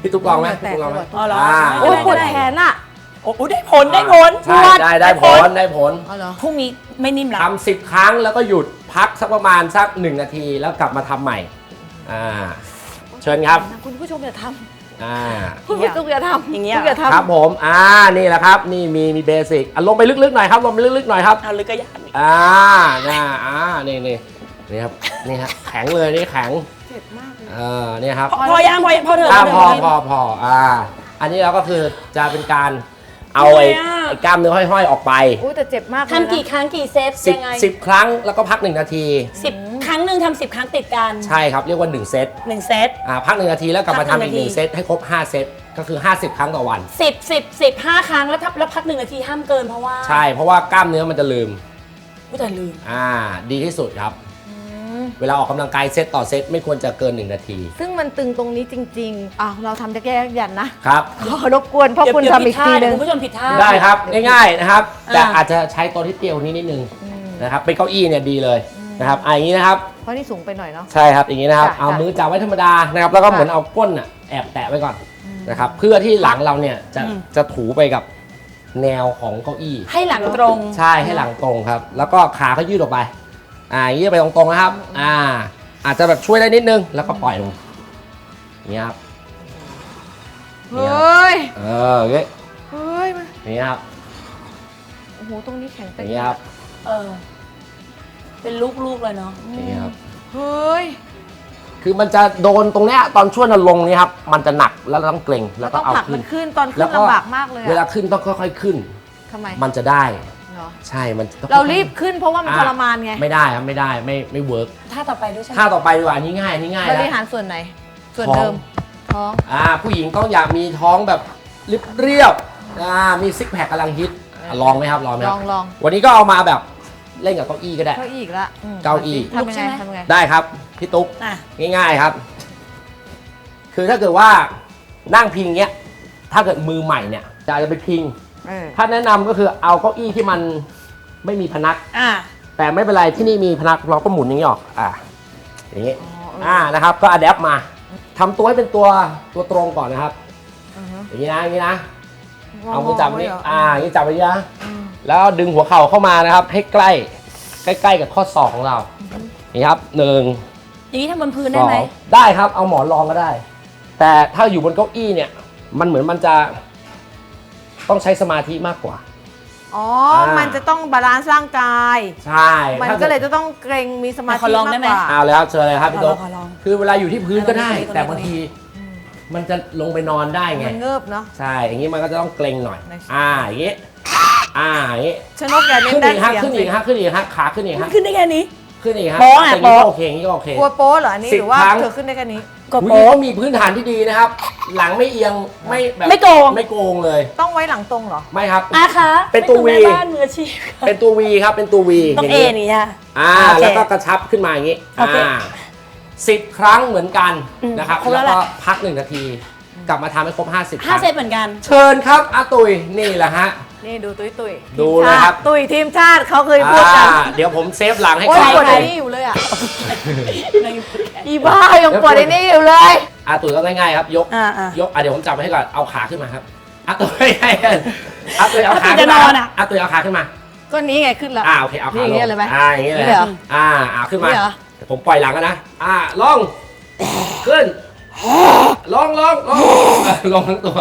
Speaker 4: พี่ตุ๊กลองไหมพี่ตุ๊กลองไหม
Speaker 3: อ๋อเหรอ
Speaker 4: อ่า
Speaker 2: โอ้ยปวดแขนอ่ะ
Speaker 3: โอ้โหได้ผลได้ผล
Speaker 4: ใช่ได้ได้ผลได้ผล
Speaker 2: อ๋อเหรอ
Speaker 3: พรุ่งนี้ไม่นิ่มละ
Speaker 4: ทำสิบครั้งแล้วก็หยุดพักสักประมาณสักหนึ่งนาทีแล้วกลับมาทำใหม่อ่าเชิญครับ
Speaker 2: คุณผู้ชมอย่าท
Speaker 4: อ่า
Speaker 2: ำคุณผู้ชมอย่าทำ
Speaker 3: อย่างเงี้ย
Speaker 2: คุณอย่าทำ
Speaker 4: ครับผมอ่านี่แหละครับนี่มีมีเบสิกอ่ะลงไปลึกๆหน่อยครับลงไปลึกๆหน่อยครับ
Speaker 3: เอาลึกก็ยาก
Speaker 4: อ่าน่าอ่านี่นี่นี่ครับนี่ครับแข็งเลยนี่แข็ง
Speaker 2: เจ็บมากเลย
Speaker 4: เออเนี่ยครับ
Speaker 3: พอพอยังพอยังพอเถอะ
Speaker 4: อ่า
Speaker 3: เถ
Speaker 4: พอ
Speaker 3: อะ
Speaker 4: พอพออ่าอันนี้เราก็คือจะเป็นการเอาไอ้
Speaker 3: ทำไมอ่ะ
Speaker 4: ไอ้กล้ามเนื้อห้อยๆออกไป
Speaker 2: อุ้ยแต่เจ็บมากเลยนะ
Speaker 3: ทำกี่ครั้งกี่เซต
Speaker 4: สิบ
Speaker 3: ยังไง
Speaker 4: สิบครั้งแล้วก็พักหนึ่งนาที
Speaker 3: สิบครั้งหนึ่งทำสิบครั้งติดกัน
Speaker 4: ใช่ครับเรียกว่าหนึ่งเซต
Speaker 3: หนึ่งเซต
Speaker 4: อ่าพักหนึ่งนาทีแล้วกลับมา
Speaker 3: พักหนึ่
Speaker 4: ทำ
Speaker 3: ง
Speaker 4: อีกหนึ่ง
Speaker 3: นาที
Speaker 4: เซตให้ครบห้าเซตก็คือห้าสิบครั้งต่อวัน
Speaker 3: สิบสิบสิบห้าครั้งแล้วทับแล้วพักหนึ่งนาทีห้ามเกินเพราะว่า
Speaker 4: ใช่เพราะว่ากล้ามเนื้อมันจะลืม
Speaker 3: ผู้แต่ลืม
Speaker 4: อ่าดีที่สุดครับ เวลาออกกำลังกายเซตต่อเซตไม่ควรจะเกินหนึ่งนาที
Speaker 2: ซึ่งมันตึงตรงนี้จริงๆอ้าวเราทำได้แค่ยันนะครับ ขอรบกวนพ่อ
Speaker 3: เดี๋ยว
Speaker 2: คุณ
Speaker 3: เดี๋ยว
Speaker 2: ทำอีกทีหนึง
Speaker 3: คุณผู้ชมผิดท่า
Speaker 4: ได้ครับง่ายๆนะครับ แต่
Speaker 3: อ่า
Speaker 4: อาจจะใช้ตัวที่เตี้ยวนี้นิดนึงนะครับเป็นเก้าอี้เนี่ยดีเลยนะครับอ่าอย่างนี้นะครับ
Speaker 2: เพราะนี่สูงไปหน่อยเนาะ
Speaker 4: ใช่ครับอย่างนี้นะครับ
Speaker 2: จ้ะ
Speaker 4: เอา
Speaker 2: จ้ะ
Speaker 4: มือจับไว้ธรรมดานะครับแล้วก็
Speaker 2: จ้ะ
Speaker 4: เหมือนเอาก้นอ่ะแอบแตะไว้ก่อนนะครับเพื่อที่หลังเราเนี่ยจะจะถูไปกับแนวของเก้าอี้
Speaker 3: ให้หลังตรง
Speaker 4: ใช่ให้หลังตรงครับ แล้วก็ขาเขายืดออกไปอ่าอย่างนี้ไปตรงๆนะครับอ่าอาจจะแบบช่วยได้นิดนึงแล้วก็ปล่อยลงอย่างนี้ครับ
Speaker 2: เฮ้ย
Speaker 4: เอออย่างนี้
Speaker 2: เฮ้ยมัน
Speaker 4: อย่างนี้ครับ
Speaker 2: โอ้โหตรงนี้แข็ง
Speaker 4: อ
Speaker 2: เต็
Speaker 4: ย่างนี้ครับ
Speaker 3: เออ เป็นลูกๆเลยเนาะ
Speaker 4: อย่างนี้ครับ
Speaker 2: เฮ้ย
Speaker 4: คือมันจะโดนตรงเนี้ยตอนช่วงเราลงนี่ครับมันจะหนักแล้วเราต้องเกร็งแล้วก็
Speaker 2: ต้อง
Speaker 4: เอา
Speaker 2: ผลัก
Speaker 4: ขึ้
Speaker 2: มัน นขึ้นตอนขึ้
Speaker 4: แล้ว
Speaker 2: น
Speaker 4: ก็
Speaker 2: ลำบากมากเลย
Speaker 4: เวลา
Speaker 2: อะ
Speaker 4: ขึ้นต้องค่อยๆขึ้น
Speaker 2: ทำไม
Speaker 4: มันจะได้
Speaker 2: เหรอ
Speaker 4: ใช่มันต้อง
Speaker 2: เรารีบขึ้นเพราะว่ามัน
Speaker 4: อ่
Speaker 2: ทรมานไง
Speaker 4: ไม่ได้ครับไม่ได้ไม่ไม่เวิร์ก
Speaker 3: ท่าต่อไปด้วยใช่ไหม
Speaker 4: ท่าต่อไปดีกว่าอันนี้ง่ายอันนี้ง่าย
Speaker 2: บ
Speaker 4: แล้ว
Speaker 2: ริหารส่วนไหน ส่วน
Speaker 4: ท้อง
Speaker 2: เดิม ท้อง
Speaker 4: อ่าผู้หญิงต้องอยากมีท้องแบบเรียบๆอ่ามีซิกแพคกำลังฮิตอ่ะลองไหมครับลองไหม
Speaker 2: ล
Speaker 4: ค
Speaker 2: อ
Speaker 4: รับ
Speaker 2: งลอง
Speaker 4: วันนี้ก็เอามาแบบเล่นกับเก้าอี้ก็ได้
Speaker 2: เก้าอี้อีกละอืม
Speaker 4: เก้าอี้
Speaker 2: ทำยังไงทำยังไง
Speaker 4: ได้ครับพี่ตุ๊ก
Speaker 3: อ่ะ
Speaker 4: ง่ายๆครับ คือถ้าเกิดว่านั่งพิงเงี้ยถ้าเกิดมือใหม่เนี่ยจะอาจจะไปพิง
Speaker 2: เออ
Speaker 4: ถ้าแนะนำก็คือเอาเก้าอี้ที่มันไม่มีพนัก
Speaker 3: อ่ะ
Speaker 4: แต่ไม่เป็นไรที่นี่มีพนักเราก็หมุนอย่างนี้ออกอ่าอย่างนี้
Speaker 2: อ๋อเออ
Speaker 4: อ่านะครับ ก็อัดแอปมาทำตัวให้เป็นตัวตัวตรงก่อนนะครับ
Speaker 2: อือฮึ
Speaker 4: อย่างนี้นะอย่างนี้นะ
Speaker 2: ง
Speaker 4: เอามือจับ
Speaker 2: ไว้
Speaker 4: นี่
Speaker 2: เหร
Speaker 4: อ่าอย่างนี้จับไว้นะ
Speaker 2: อืม
Speaker 4: แล้วดึงหัวเข่าเข้ามานะครับ ให้ใกล้ใกล้ๆกับข้อศอกของเรานี่ครับหนึ่ง
Speaker 3: อย่างนี้ทำบนพื้น
Speaker 4: ส
Speaker 3: ได้
Speaker 4: อง
Speaker 3: ไหม
Speaker 4: ได้ครับเอาหมอนรองก็ได้ แต่ถ้าอยู่บนเก้าอี้เนี่ย มันเหมือนมันจะต้องใช้สมาธิมากกว่า
Speaker 2: อ๋อ
Speaker 4: อ่ามั
Speaker 2: มันจะต้องบาลานซ์ร่างกาย
Speaker 4: ใช่
Speaker 2: มัน
Speaker 4: ถ้า
Speaker 2: ก็
Speaker 4: ด
Speaker 2: เลยจะต้องเกรงมีสมา
Speaker 3: ขอ
Speaker 2: ธิ
Speaker 3: ลอง
Speaker 2: มา
Speaker 3: ได้
Speaker 2: ก
Speaker 3: ไหม
Speaker 2: กว่า
Speaker 4: เอาเลยครับเชิญเลยครับพี่
Speaker 3: ขอล
Speaker 4: โต๊
Speaker 3: องขอลอง
Speaker 4: คือเวลาอยู่ที่พื้นก็ได้
Speaker 3: ตรงนี้
Speaker 4: แต่บางที มันจะลงไปนอนได้ไง
Speaker 2: มันเงิบเนาะ
Speaker 4: ใช่ อย่างนี้มันก็จะต้องเกรงหน่อย
Speaker 2: ใน
Speaker 4: อ่า อย่างนี้ อ่า อย่างนี้
Speaker 2: ชนกอย่าเน้น
Speaker 4: ขึ้น
Speaker 2: ด้า
Speaker 4: อี
Speaker 2: น
Speaker 4: กฮะ
Speaker 2: เสียง
Speaker 4: ขึ้นอีกฮะขึ้นอีกฮะขาขึ้นอีกฮะ
Speaker 3: ขึ้นได้แค่นี้
Speaker 4: ขึ้นอีกฮะ
Speaker 3: โป๊ะอะ
Speaker 4: อย่างนี้
Speaker 3: โป๊ะ
Speaker 4: ก็โอเคอย่างนี้ก็โอเค
Speaker 2: กลัวโป๊เหรออันนี้
Speaker 4: สิบ
Speaker 2: หรือว่า
Speaker 4: ครั้ง
Speaker 2: เธอขึ้นได้แค่นี้
Speaker 3: ก็
Speaker 4: อุ๊ย
Speaker 3: โป๊ะ
Speaker 4: เขามีพื้นฐานที่ดีนะครับ หลังไม่เอียง ไม่แบบ
Speaker 3: ไม่โกง
Speaker 4: ไม่โกงเลย
Speaker 2: ต้องไว้หลังตรงเหรอ
Speaker 4: ไม่ครับ
Speaker 3: อาคะ
Speaker 4: เป็นตัว
Speaker 3: ไม่
Speaker 4: วี
Speaker 3: แม่บ้านมืออาชีพ
Speaker 4: เป็นตัว V ครับ เป็นตัว V
Speaker 3: ต้อง
Speaker 4: ย่า
Speaker 3: เอ
Speaker 4: นี้
Speaker 3: นี่จ้ะ
Speaker 4: อ่า
Speaker 3: โอเค
Speaker 4: แล้วก็กระชับขึ้นมาอย่างนี้
Speaker 3: โอเค
Speaker 4: อ่าสิบครั้งเหมือนกัน
Speaker 3: อืม
Speaker 4: นะครับ
Speaker 3: ครบแล้
Speaker 4: แล้ว
Speaker 3: ว
Speaker 4: ก็
Speaker 3: แหละ
Speaker 4: พักหนึ่งนาที กลับมาทำให้ครบห้าสิบค
Speaker 3: ห้า
Speaker 4: รั้ง
Speaker 3: เซตเหมือนกัน
Speaker 4: เชิญครับอาตุยนี่แหละฮะ
Speaker 2: นี่ดูตุ้ยตุ้ย
Speaker 4: ดู
Speaker 2: ทีม
Speaker 4: เลย
Speaker 2: ชา
Speaker 4: ครับ
Speaker 2: ติตุ้ยทีมชาติเขาเคยพูดกัน
Speaker 4: อ่าเดี๋ยวผมเซฟหลังให้
Speaker 2: โอ้ย
Speaker 4: ก่อน
Speaker 2: ปวดไอ้นี่อยู่เลยอ่ะ
Speaker 3: ใน
Speaker 2: อีบ้ายังปวดไอ้นี่อยู่เลย
Speaker 4: อาตุยก็ง่ายๆครับ ยก
Speaker 3: อ่าอ่าย
Speaker 4: กอ่ะเดี๋ยวผมจับให้ก่อนเอาขาขึ้นมาครับอาตุยให้อาตุยเอาขา
Speaker 3: อาตุย
Speaker 4: ขึ้นมา
Speaker 3: จะนอนอะ
Speaker 4: อาตุยเอาขาขึ้นมา
Speaker 2: ก็นี้ไงขึ้นแล้ว
Speaker 4: อ่าโอเคเอาขา
Speaker 2: นี่อย่างเงี้ยเลยไหม
Speaker 4: อ่าอย่างเงี้ยเลย
Speaker 2: นี่เหรอ
Speaker 4: อ่าอ่าขึ้นมา
Speaker 2: นี่เหรอ
Speaker 4: เดี๋ยวผมปล่อยหลังกันนะอ่าลงขึ้นลงลงลงลงทั้งตัว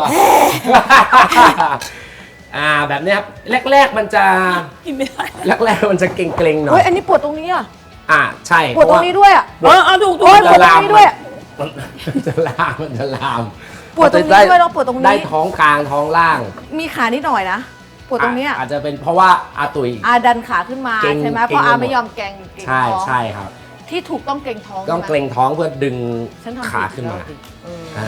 Speaker 4: อ่าแบบเนี้ยครับแรกๆมันจะ
Speaker 3: กินไม่ได้
Speaker 4: แรกๆมันจะเกร็งๆหน่อ
Speaker 2: เฮ้
Speaker 4: ย
Speaker 2: ยอันนี้ปวดตรงนี้อ่ะ
Speaker 4: อ่าใช่
Speaker 2: ปวดตรงนี้ด้วยอ่ะ
Speaker 3: เออเอาถูกถู
Speaker 2: โอ้
Speaker 3: ก
Speaker 2: ยปวดตรงนี้ด้วยอะ
Speaker 4: มันมันจะลามมันจะลาม
Speaker 2: ปวดตรงนี้ด้วยแล้วปวดตรงนี้
Speaker 4: ได้ท้องกลางท้องล่าง
Speaker 2: มีขานิดหน่อยนะปวดตรงเนี้ย
Speaker 4: อาจจะเป็นเพราะว่าอาตุย
Speaker 2: อาดันขาขึ้นมา
Speaker 4: เกร็ง
Speaker 2: ใช่ไหม
Speaker 4: เกร็ง
Speaker 2: เพราะอา
Speaker 4: ไปหมด
Speaker 2: ไม่ยอมแกงเกร็ง
Speaker 4: ใช่
Speaker 2: ท้อง
Speaker 4: ใช่ครับ
Speaker 2: ที่ถูกต้องเกร็งท้อง
Speaker 4: ต้อง
Speaker 2: ใช่
Speaker 4: เก
Speaker 2: ไหม
Speaker 4: รงท้องเพื่อดึง
Speaker 2: ฉันทำ
Speaker 4: ขา
Speaker 2: ผิด
Speaker 4: ขึ้นมา
Speaker 2: แล้วสิเออ
Speaker 4: อ่ะ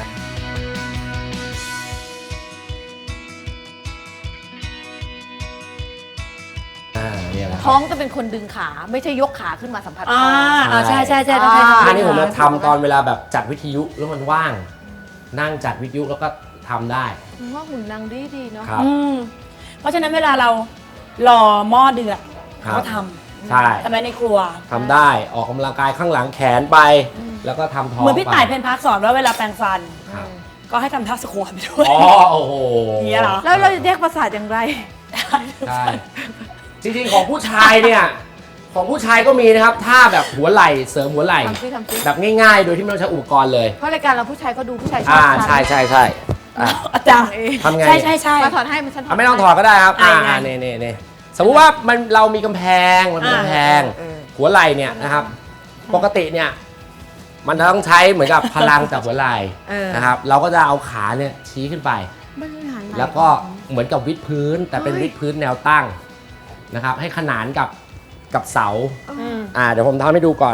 Speaker 4: อ่าเนี่ยแหละครับ
Speaker 2: ท้องจะเป็นคนดึงขาไม่ใช่ยกขาขึ้นมาสัมผัส
Speaker 3: อ่า
Speaker 2: ท้อง
Speaker 3: อ่าใช่ใช่ใช่ต้องใช้
Speaker 2: อ่า
Speaker 4: อันนี้ผมจะทำตอนเวลาแบบจัดวิทยุแล้วมันว่าง นั่งจัดวิทยุแล้วก็ทำได้
Speaker 2: คุณว่าหุ่นนางดีดีๆเนาะ
Speaker 4: ครับ
Speaker 3: อืมเพราะฉะนั้นเวลาเรารอหม้อเดือด
Speaker 4: ครับ
Speaker 3: ก็ท
Speaker 4: ใช่
Speaker 3: ำทำไมในครัว
Speaker 4: ทำได้ออกกำลังกายข้างหลังแขนไป แล้วก็ทำท้อง
Speaker 3: เหมือนพี่
Speaker 4: ไป
Speaker 3: ต่ายเพนพักสอนว่าเวลาแปรงฟัน
Speaker 4: ครับ
Speaker 3: ก็ให้ทำท่าสควอตไปด้วย
Speaker 4: อ๋อโอ้โห
Speaker 3: อย่างเงี้ยเหรอ
Speaker 2: แล้วเราจะแยกประสาทอย่างไร
Speaker 4: ใช่จริงๆของผู้ชายเนี่ยของผู้ชายก็มีนะครับท่าแบบหัวไหล่เสริมหัวไหล่
Speaker 2: ทำซิทำซิ
Speaker 4: แบบง่ายๆ โดยที่ไม่ต้องใช้อุปกรณ์เลย
Speaker 2: เพราะรายการเราผู้ชายก็ดูผู้ชายชอบ
Speaker 4: อ่า
Speaker 2: ทำ
Speaker 4: ใช่ใช่ใช่อ่ะ
Speaker 3: อาจารย์
Speaker 4: ทำไง
Speaker 3: ใช่ใช่ใช่
Speaker 2: มาถอดให้มันฉันถอ
Speaker 4: อ่ะ
Speaker 2: ด
Speaker 4: ไม่ต้องถอดก็ได้ครับ
Speaker 3: อ่ะ
Speaker 4: อ่า
Speaker 3: ยังไง
Speaker 4: เน่เน่เน่สมมุติว่ามันเรามีกำแพงมันมีกำแพง
Speaker 2: เออ
Speaker 4: หัวไหล่เนี่ยนะครับ ปกติเนี่ยมันต้องใช้เหมือนกับพลังจากหัวไหล่
Speaker 2: เออ
Speaker 4: นะครับเราก็จะเอาขาเนี่ยชี้ขึ้นไป
Speaker 2: บริหารไห
Speaker 4: แล้วก็เหมือนกับวิดพื้น แต่เป็นวิดพื้นแนวตั้งนะครับ ให้ขนานกับกับเสา
Speaker 3: อืม
Speaker 4: อ่าเดี๋ยวผมทำให้ดูก่อน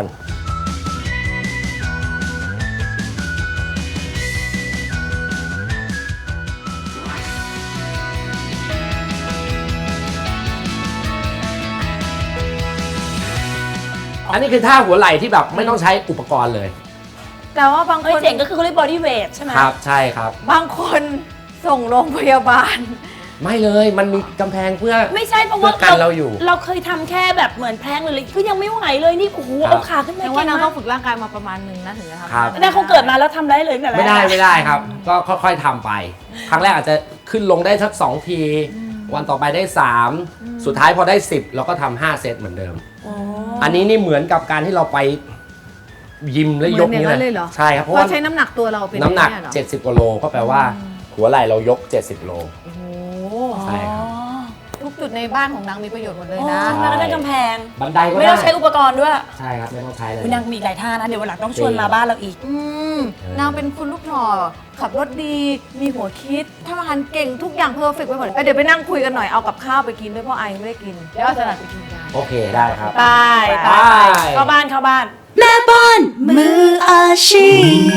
Speaker 4: อันนี้คือท่าหัวไหล่ที่แบบไม่ต้องใช้อุปกรณ์เลย
Speaker 2: แต่ว่าบางค
Speaker 3: เอ้ย
Speaker 2: น
Speaker 3: เจ๋งก็คือเขาเรียก body weight ใช่ไหม
Speaker 4: ครับใช่ครับ
Speaker 2: บางคนส่งโรงพยาบาล
Speaker 4: ไม่เลยมันมีกำแพงเพื่อ
Speaker 3: ไม่ใช่เพราะว่า
Speaker 4: เพื่อกันเราอยู่
Speaker 3: เราเคยทำแค่แบบเหมือนแพลงเลยก็ยังไม่ไหวเลยนี่โอ้โห
Speaker 4: ครับ
Speaker 3: เอาขาขึ้นมา
Speaker 2: แต่
Speaker 3: เก่
Speaker 2: ว่าง นาง
Speaker 3: มา
Speaker 2: ต้อก งฝึกร่างกายมาประมาณหนึ่งนะถึงจะทำ
Speaker 4: ครับ
Speaker 3: แต่เขาเกิดมาแล้วทำได้เลยตั้งแต่แรก
Speaker 4: ไม่ได้ไม่ได้ครับ ก็ค่อยๆทำไป ครั้งแรกอาจจะขึ้นลงได้สักสองที วันต่อไปได้สามสุดท้ายพอได้สิบเราก็ทำห้าเซตเหมือนเดิม
Speaker 3: อ๋อ
Speaker 4: อันนี้นี่เหมือนกับการที่เราไปยิมแล้วยกนี้
Speaker 2: เหมือนอย่างนั้นเลยเหรอ
Speaker 4: ใช่ครับเพราะ
Speaker 2: เรา
Speaker 4: ว่า
Speaker 2: ใช้น้ำหนักตัวเราเป็น
Speaker 4: น้ำหนัก
Speaker 2: เยเรอ
Speaker 4: เจ็ดสิบกว่าโลก็แปลว่าหัวไหล่เรายกเจ็ดสิบโล
Speaker 2: โอ้โห
Speaker 4: ใช่ครับ
Speaker 2: ทุกจุดในบ้านของนางมีประโยชน์หมดเลย
Speaker 3: อ๋อ
Speaker 2: นะ
Speaker 3: แล้วก็ได้กำแพง
Speaker 4: บันไดก็
Speaker 3: ไม่
Speaker 4: ได้
Speaker 3: ต้องใช้อุปกรณ์ด้วย
Speaker 4: ใช่ครับไม่ต้องใช้เลย
Speaker 3: อุ๊ยนางมีหลายท่านะเดี๋ยววันหลังต้องชวนมาบ้านเราอีก
Speaker 2: อืมนางเป็นคุณลูกหน่อขับรถดี มีหัวคิดทำอาหารเก่งทุกอย่างเพอร์เฟกต์ไปหมดเอ้ยเดี๋ยวไปนั่งคุยกันหน่อยเอากับข้าวไปกินด้วยเพราะไอไม่ได้กินเดี๋ยวเอาสลัดไปกินกัน
Speaker 4: โอเคได้ครับ
Speaker 3: ไปไป
Speaker 4: ไป
Speaker 3: เข้าบ้านเข้าบ้าน
Speaker 1: แม่บ้านมืออาชี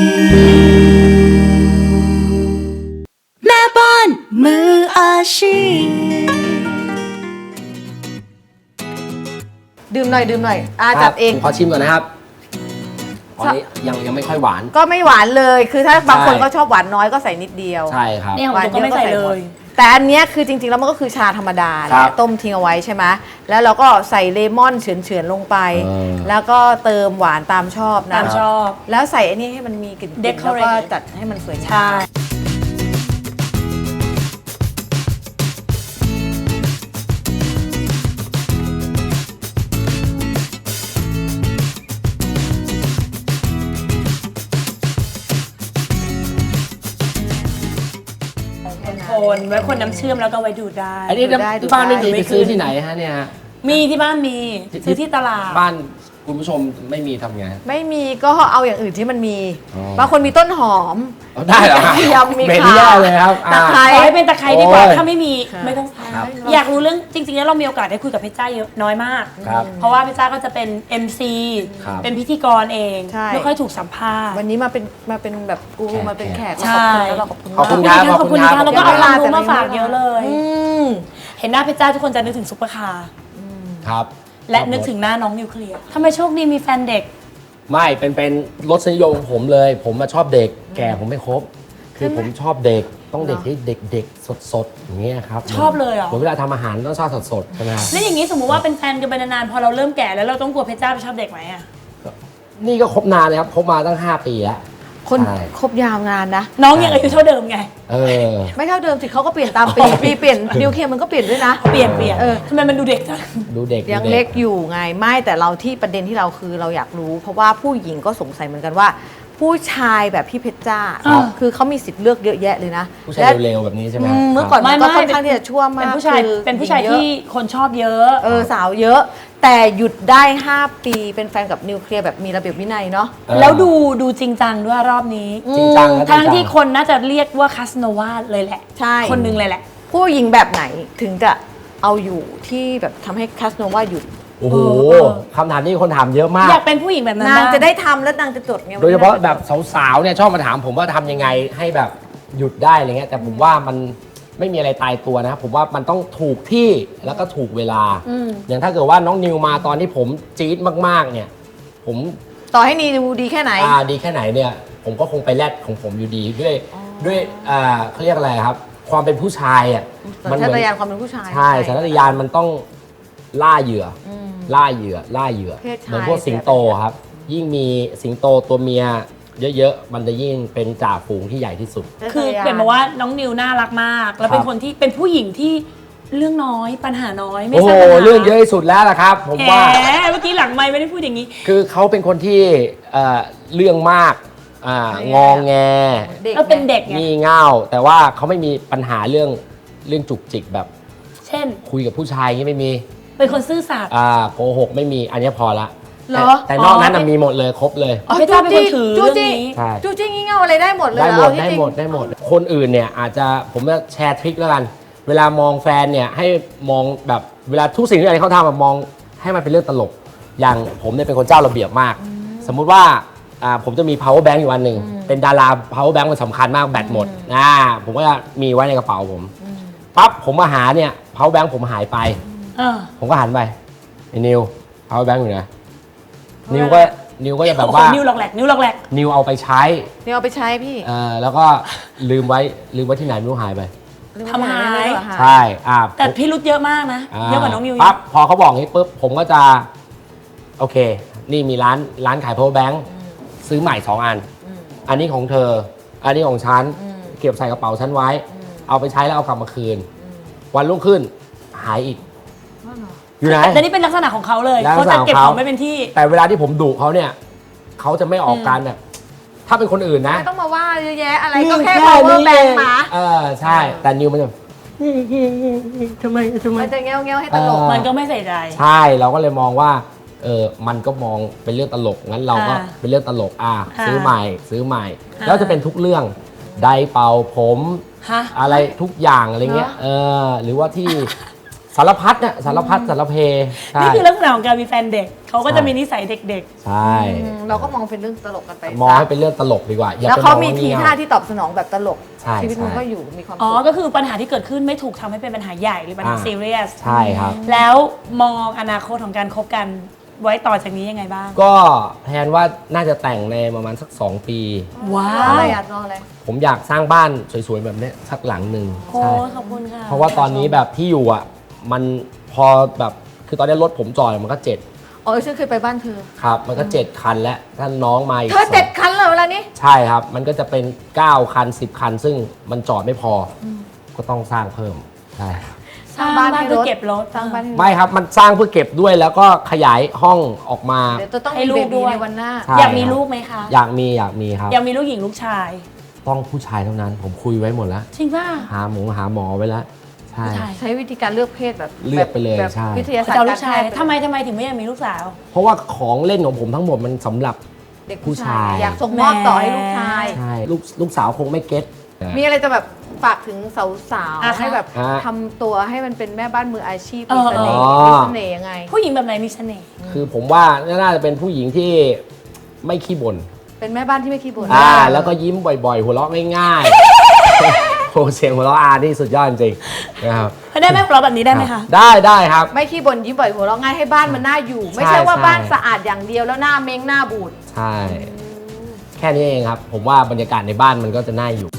Speaker 1: พ แม่บ้านมืออาชีพ
Speaker 2: ดื่มหน่อยดื่มหน่อยอาจับเอง
Speaker 4: ผมขอชิมก่อนนะครับอันนี้ยังยังไม่ค่อยหวาน
Speaker 2: ก็ไม่หวานเลยคือถ้าบางคน
Speaker 4: ใช่
Speaker 2: ก็ชอบหวานน้อยก็ใส่นิดเดียว
Speaker 4: ใช่ครับ
Speaker 3: เนี่ยของผมก็ไม่ใส่เลย
Speaker 2: แต่อันเนี้ยคือจริงๆ แล้วมันก็คือชาธรรมดาแห
Speaker 4: ครั
Speaker 2: ละ
Speaker 4: บ
Speaker 2: ต้มทิ้งเอาไว้ใช่ไหมแล้วเราก็ใส่เลมอนเฉือนๆลงไป
Speaker 4: เออ
Speaker 2: แล้วก็เติมหวานตามชอบนะ
Speaker 3: ตามชอบ
Speaker 2: แล้วใส่อันนี้ให้มันมีกลิ่นๆ
Speaker 3: Decorate
Speaker 2: แล้วก็จัดให้มันสวยงาม
Speaker 3: ใช่ คนไว้คนน้ำเชื่อมแล้วก็ไว้ดูดได้
Speaker 4: อันนี้
Speaker 2: ดูได้ดูได้
Speaker 4: บ้านไม่มีไปซื้อที่ไหนฮะเนี่ยฮะ
Speaker 3: มีที่บ้านมี
Speaker 4: ที่
Speaker 3: ซื้อที่ตลาด
Speaker 4: บ้านคุณผู้ชมไม่มีทำไง
Speaker 2: ไม่มีก็เอาอย่างอื่นที่มันมี
Speaker 4: อ๋อ
Speaker 2: บางคนมีต้นหอม
Speaker 4: เอาได้เหรอฮะ
Speaker 2: มีกระเทียมมี
Speaker 4: เหม็น
Speaker 2: ข่า
Speaker 4: แย่เลยครับ
Speaker 2: ตะไคร้
Speaker 3: ขอให้เป็นตะไคร้ดีกว่า
Speaker 4: โอ้ย
Speaker 3: ถ้าไม่มี
Speaker 2: ค่ะ
Speaker 3: ไม่ต้องใช้
Speaker 4: ครับ
Speaker 3: อยากรู้เรื่องจริงๆแล้วเรามีโอกาสได้คุยกับเพชรจ้าเยอะน้อยมาก
Speaker 4: ครับ
Speaker 3: เพราะว่าเพชรจ้าก็จะเป็น เอ็ม ซี
Speaker 4: ครับ
Speaker 3: เป็นพิธีกรเอง
Speaker 2: ใช่
Speaker 3: ไม่ค่อยถูกสัมภาษณ์
Speaker 2: วันนี้มาเป็นมาเป็นแบบกูรูมาเป็นแขก
Speaker 3: ใช่
Speaker 2: ขอบคุณแล้วเราขอบคุณ
Speaker 4: ขอบ
Speaker 2: มาก
Speaker 4: คุณ
Speaker 3: ขอบคุณค่ะแล้วก็
Speaker 2: ขอบ
Speaker 3: เอา
Speaker 2: คุณ
Speaker 3: ความรู้มาฝาก
Speaker 2: ขอบคุณ
Speaker 3: เยอะเลย
Speaker 2: อืม
Speaker 3: เห็นหน้าเพชรจ้าทุกคนจะนึกถึงซุปเปอร์คาร์
Speaker 4: ครับ
Speaker 3: และนึกถึงหน้าน้องนิวเคลียร์ทำไมโชคดีมีแฟนเด็ก
Speaker 4: ไม่เป็นเป็นรสนิยมของผมเลย ผมมาชอบเด็ก แก่ผมไม่ครบ คือผมชอบเด็กต้องเด็กที่เด็กเด็กสดสดๆอย่างเงี้ยครับ
Speaker 3: ชอบเลยเหรอ
Speaker 4: ผมเวลาทำอาหารต้องชอบสดสดๆใช่ไหมครับ
Speaker 3: แล้วอย่างนี้สมมติว่าเป็นแฟนกันไปนานๆพอเราเริ่มแก่แล้วเราต้องกลัวเพชรจ้าไปชอบเด็กไหมอะ
Speaker 4: นี่ก็ครบนานเลยครับครบมาตั้งห้าปีแล้ว
Speaker 2: คน
Speaker 4: ใช่
Speaker 2: ครบยาวนานนะ
Speaker 3: น้องยังอายุเท่าเดิมไง
Speaker 4: เออ
Speaker 2: ไม่เท่าเดิมสิเขาก็เปลี่ยนตามปี ปีเปลี่ยนนิวเคลียร์มันก็เปลี่ยนด้วยนะ
Speaker 3: เปลี่ยนเปลี่ยน
Speaker 2: เออ
Speaker 3: ทำไมมันดูเด็กจัง
Speaker 4: ดูเด็ก
Speaker 2: ยัง
Speaker 4: ดู
Speaker 2: เล็กอยู่ไงไม่แต่เราที่ประเด็นที่เราคือเราอยากรู้ เพราะว่าผู้หญิงก็สงสัยเหมือนกันว่า ผู้ชายแบบพี่เพชรจ้า
Speaker 3: ครับ
Speaker 2: คือเขามีสิทธิ์เลือกเยอะแยะเลยนะ
Speaker 4: ผู้ชาย
Speaker 2: และ
Speaker 4: เร็วๆแบบนี้ใช่ไหม
Speaker 2: อืมเมื่อก่อน
Speaker 3: ไม่
Speaker 2: มันก็
Speaker 3: ไม่
Speaker 2: ค่อนข้างที่จะชั่วมาก
Speaker 3: เป็นผู้ชาย
Speaker 2: คือ
Speaker 3: เป็นผู้ชาย
Speaker 2: หญิงเอะ
Speaker 3: ที่คนชอบเยอะ
Speaker 2: เออสาวเยอะ แต่หยุดได้ ห้า ปีเป็นแฟนกับนิวเคลียร์แบบมีระเบียบวินัยเนาะ
Speaker 4: เออ
Speaker 3: แล้วดูดูจริงจังด้วยรอบนี้
Speaker 4: จริงจังนะ
Speaker 3: ทั้ง
Speaker 4: จริ
Speaker 3: ที่
Speaker 4: จั
Speaker 3: คนน่าจะเรียกว่าคาสโนวาเลยแหละ
Speaker 2: ใช่
Speaker 3: คนหนึงเลยแหละ
Speaker 2: ผู้หญิงแบบไหนถึงจะเอาอยู่ที่แบบทำให้คาสโนวาหยุด
Speaker 4: โอ้โห
Speaker 3: เออ
Speaker 4: คำถามนี้คนถามเยอะมาก
Speaker 3: อยากเป็นผู้หญิงแบบนั้น
Speaker 2: นาง
Speaker 3: บ้
Speaker 2: จะได้ทำแล้วนางจะจดไง
Speaker 4: โดยเฉพาะแบบสาวๆเนี่ยชอบมาถามผมว่าทำยังไงให้แบบหยุดได้อะไรเงี้ยแต่ผมว่ามันไม่มีอะไรตายตัวนะครับผมว่ามันต้องถูกที่แล้วก็ถูกเวลา
Speaker 3: อืม
Speaker 4: อย่างถ้าเกิดว่าน้องนิวมาตอนที่ผมจี๊ดมากๆเนี่ย ผม
Speaker 2: ต่อให้นีดูดีแค่ไหน
Speaker 4: อ่าดีแค่ไหนเนี่ย ผมก็คงไปแลดของผมอยู่ดีด้วยด้วยอ่าเขาเรียกอะไรครับ ความเป็นผู้ชายอ่ะ
Speaker 2: สัญ
Speaker 4: เห
Speaker 2: ชา
Speaker 4: มื
Speaker 2: ตญาณความเป็นผู้ชาย
Speaker 4: ใช่สัญชาตญาณมันต้องล่าเหยื่ออ
Speaker 2: ม
Speaker 4: ล่าเหยื่อล่าเหยื่อ
Speaker 2: เพศชาย
Speaker 4: เหมือนพวกสิงโตครับ ยิ่งมีสิงโตตัวเมียเยอะๆมันจะยิ่งเป็นจ่าฝูงที่ใหญ่ที่สุด
Speaker 3: คือเปลี่ยนมาว่าน้องนิวน่ารักมาก แล้วเป็นคนที่เป็นผู้หญิงที่เรื่องน้อยปัญหาน้อยไม่
Speaker 4: โอ้โห
Speaker 3: ใช่ปัญหา
Speaker 4: เรื่องเยอะที่สุดแล้วล่ะครับ ผม
Speaker 3: แหม
Speaker 4: ว่า
Speaker 3: เมื่อกี้หลังไมค์ไม่ได้พูดอย่างนี้
Speaker 4: คือเขาเป็นคนที่เอ่อเรื่องมากอ่างองแง
Speaker 3: แล้วเป็นเด็กไง
Speaker 4: งี่เง่าแต่ว่าเขาไม่มีปัญหาเรื่องเรื่องจุกจิกแบบ
Speaker 3: เช่น
Speaker 4: คุยกับผู้ชายอย่างนี้ไม่มี
Speaker 3: เป็นคนซื่อสัตย์
Speaker 4: อ่าโกหกไม่มีอันนี้พอละ
Speaker 2: เหร
Speaker 4: แต่
Speaker 2: อ
Speaker 4: แต่นอกนั้น
Speaker 3: อ๋อ
Speaker 4: น่ะมีหมดเลยครบเลย
Speaker 3: อ๋อเพชรจ้าเป็นคนถือ
Speaker 2: จู้
Speaker 3: เรื่อง
Speaker 2: จี้
Speaker 3: นี้
Speaker 4: ใช่
Speaker 2: จู้จี้งี่เง่าอะไรได้หมดเลย
Speaker 4: ได้
Speaker 2: เห
Speaker 4: ห
Speaker 2: ร
Speaker 4: ม
Speaker 2: อ
Speaker 4: ด
Speaker 2: ที่
Speaker 4: ได้
Speaker 2: จริง
Speaker 4: หมดได้หมด คนอื่นเนี่ยอาจจะผมจะแชร์ทริคแล้วกัน เวลามองแฟนเนี่ยให้มองแบบเวลาทุกสิ่งทุกอย่างที่เขาทำอะมองให้มันเป็นเรื่องตลก อย่างผมเนี่ยเป็นคนเจ้าระเบียบมาก สมมุติว่าอ่าผมจะมี power bank อยู่อันหนึ่งเป็นดารา power bank มันสำคัญมากแบตหมดนะผมก็จะมีไว้ในกระเป๋าผมปั๊บผมมาหาเนี่ย power bank ผมหายไป
Speaker 3: เออ
Speaker 4: ผมก็หันไปไอ้นิว power bank อยู่ไหนนิวก็นิวก็จะแบบว่า
Speaker 3: โอ้โหนิ้วหลอกแหลกนิ้วหลอกแหลก
Speaker 4: นิวเอาไปใช้
Speaker 2: นี่เอาไปใช้พี่
Speaker 4: เอ่อแล้วก็ลืมไว้ลืมไว้ที่ไหนไม่รู้หายไป
Speaker 3: ทำหาย
Speaker 4: ใช่อ่า
Speaker 3: แต่
Speaker 4: ผม
Speaker 3: พี่รุธเยอะมากนะ
Speaker 4: อ่
Speaker 3: เยอะกว่าน้องนิว
Speaker 4: ปั๊บพอเขาบอกงี้ปุ๊บผมก็จะ โอเค นี่มีร้านร้านขาย power bank ซื้อใหม่สองอัน อันนี้ของเธอ อันนี้ของฉัน เก็บใส่กระเป๋าฉันไว้ เอาไปใช้แล้วเอากลับมาคืน วันรุ่งขึ้นหายอีก อยู่ไหน
Speaker 3: แต่นี่เป็นลักษณะของเขาเลย
Speaker 4: ลักษณะ
Speaker 3: เขาจะเก็บ
Speaker 4: ของ
Speaker 3: ข
Speaker 4: เขา
Speaker 3: องไม่เป็นที่
Speaker 4: แต่เวลาที่ผมดุเขาเนี่ย เขาจะไม่ออกการแบบ ถ้าเป็นคนอื่นนะ
Speaker 2: ไม่ต้องมาว่าเยอะแยะอะไร
Speaker 4: นี่
Speaker 2: ก็แค่
Speaker 4: แค่
Speaker 2: power
Speaker 4: นี้
Speaker 2: bank หมา
Speaker 4: เออใช่ แต่นิวมันจะ ทำไมทำไม
Speaker 2: มันจะเงี้ยวเงี้ยวๆให้ตลก
Speaker 4: เออ
Speaker 3: มันก็ไม่ใส่ใจ
Speaker 4: ใช่เราก็เลยมองว่าเออมันก็มองเป็นเรื่องตลกงั้นเราก็
Speaker 3: อ่า
Speaker 4: เป็นเรื่องตลกอ่ะ
Speaker 3: อ่า
Speaker 4: ซื้อใหม่ซื้อใหม่
Speaker 3: อ่า
Speaker 4: แล้วจะเป็นทุกเรื่องไดร์เป่าผม
Speaker 3: ฮะ
Speaker 4: อะไรทุกอย่างอะไรเงี้ยเออหรือว่าที่ สารพัดเนี่ยสารพัดสารเพใช่
Speaker 3: นี่คือลักษณะของการมีแฟนเด็ก เขาก็จะมีนิสัยเด็ก
Speaker 4: ใช่
Speaker 2: อืมเราก็มองเป็นเรื่องตลกกันไป
Speaker 4: มอง
Speaker 2: ซะ
Speaker 4: ให้เป็นเรื่องตลกดีกว่าอย่า
Speaker 2: แล้ว
Speaker 4: ไป
Speaker 2: เขา
Speaker 4: มอง
Speaker 2: มี
Speaker 4: ว่า
Speaker 2: ที
Speaker 4: เงี้ย
Speaker 2: ท่าที่ตอบสนองแบบตลก
Speaker 4: ใช่
Speaker 2: ชีวิตมัน
Speaker 4: ใช่
Speaker 2: ก็อยู่มีความ
Speaker 3: ๆ อ๋อ
Speaker 2: สุข
Speaker 3: ก็คือปัญหาที่เกิดขึ้นไม่ถูกทำให้เป็นปัญหาใหญ่หรือปัญหา
Speaker 4: อ่า
Speaker 3: ซีเรียส
Speaker 4: ใช่ครับ
Speaker 3: แล้วมองอนาคตของการคบกันไว้ต่อจากนี้ยังไงบ้าง
Speaker 4: ก็แทนว่าน่าจะแต่งในประมาณสักสองปี
Speaker 3: ว้า
Speaker 2: อะ
Speaker 3: ว
Speaker 2: ไรอ่ะรออะไร
Speaker 4: ผมอยากสร้างบ้านสวยๆแบบเนี้ยสักหลังหนึ่ง
Speaker 3: โอ้
Speaker 4: ใช่
Speaker 3: ขอบคุณค่ะ
Speaker 4: เพราะว่าตอนนี้แบบที่อยู่อ่ะ มันพอแบบคือตอนนี้รถผมจอดมันก็เจ็ด
Speaker 2: อ๋อฉันเคยไปบ้านเธอ
Speaker 4: ครับ มันก็เจ็ดคันแล้วถ้าน้องมาอีก
Speaker 2: เธอ
Speaker 4: สง
Speaker 2: เจ็ดคันเลยเวลานี้
Speaker 4: ใช่ครับ มันก็จะเป็นเก้าคันสิบคัน ซึ่งมันจอดไม่พออก็ต้องสร้างเพิ่มใช่
Speaker 3: สร้างบ้านเพื่อเก็บรถ
Speaker 2: สร้างบ้านให้รถ
Speaker 4: ไม่ครับมันสร้างเพื่อเก็บด้วยแล้วก็ขยายห้องออกมา
Speaker 2: เดี๋ยวจะต้อง
Speaker 3: ให้
Speaker 2: มี
Speaker 3: ลู
Speaker 2: เบ
Speaker 3: ก
Speaker 2: บี
Speaker 3: ด้วย
Speaker 2: ในวันหน้า
Speaker 4: ใช่
Speaker 3: อยากมีลูกไหมคะ
Speaker 4: อยากมีอยากมีครับ
Speaker 3: อยากมีลูกหญิงลูกชาย
Speaker 4: ต้องผู้ชายเท่านั้น ผมคุยไว้หมดแล้ว
Speaker 3: จริงป่ะ
Speaker 4: หาหมอหาหมอไว้แล้วใช่
Speaker 3: ผู้ชาย
Speaker 2: ใช้วิธีการเลือกเพศแบบ
Speaker 4: เลือกไปเลย
Speaker 2: แบบ
Speaker 4: ใช่
Speaker 2: วิทยาศาสต
Speaker 3: จะเอา
Speaker 2: ร์
Speaker 3: ลู
Speaker 2: กาก ร
Speaker 3: ชาย
Speaker 2: แพทย์
Speaker 3: ทำไมทำไมถึงไม่อยากมีลูกสาว
Speaker 4: เพราะว่าของเล่นของผมทั้งหมดมันสำหรับ
Speaker 2: เด็ก
Speaker 4: ผู้
Speaker 2: ผู้
Speaker 4: ชา
Speaker 2: ชาย ย อยากส่งมอบต่อให้ลูกชาย
Speaker 4: ใช่ลูกลูกสาวคงไม่เก็ต
Speaker 2: มีอะไรจะแบบฝากถึงสาว
Speaker 3: อ่ะ
Speaker 2: ๆให้แบบ
Speaker 4: ฮะ
Speaker 2: ทำตัวให้มันเป็นแม่บ้านมืออาชีพ
Speaker 3: เอ
Speaker 2: มี
Speaker 3: อ
Speaker 2: เสน่ห์
Speaker 4: อ๋อ
Speaker 2: มีเสน่ห์ยังไง
Speaker 3: ผู้หญิงแบบไหนมีเสน่ห์
Speaker 4: คือผมว่าน่าจะเป็นผู้หญิงที่ไม่ขี้บ่น
Speaker 2: เป็นแม่บ้านที่ไม่ขี้บ่น
Speaker 4: อ่าแล้วก็ยิ้มบ่อยๆ หัวเราะง่ายๆ โอ้เสียงหัวเราะอานี่สุดยอดจริงๆนะครับ
Speaker 3: ได้ไหมเราแบบนี้ได้ไหมคะ
Speaker 4: ได้ได้ครับ
Speaker 2: ไม่ขี้บ่นยิ้มบ่อยหัวเราะง่ายให้บ้านมันน่าอยู่ ไม่
Speaker 4: ใช่
Speaker 2: ใช่ว่า
Speaker 4: ใช่
Speaker 2: บ้านสะอาดอย่างเดียวแล้วหน้าเม้งหน้าบูด
Speaker 4: ใช่ แค่นี้เองครับ ผมว่าบรรยากาศในบ้านมันก็จะน่าอยู่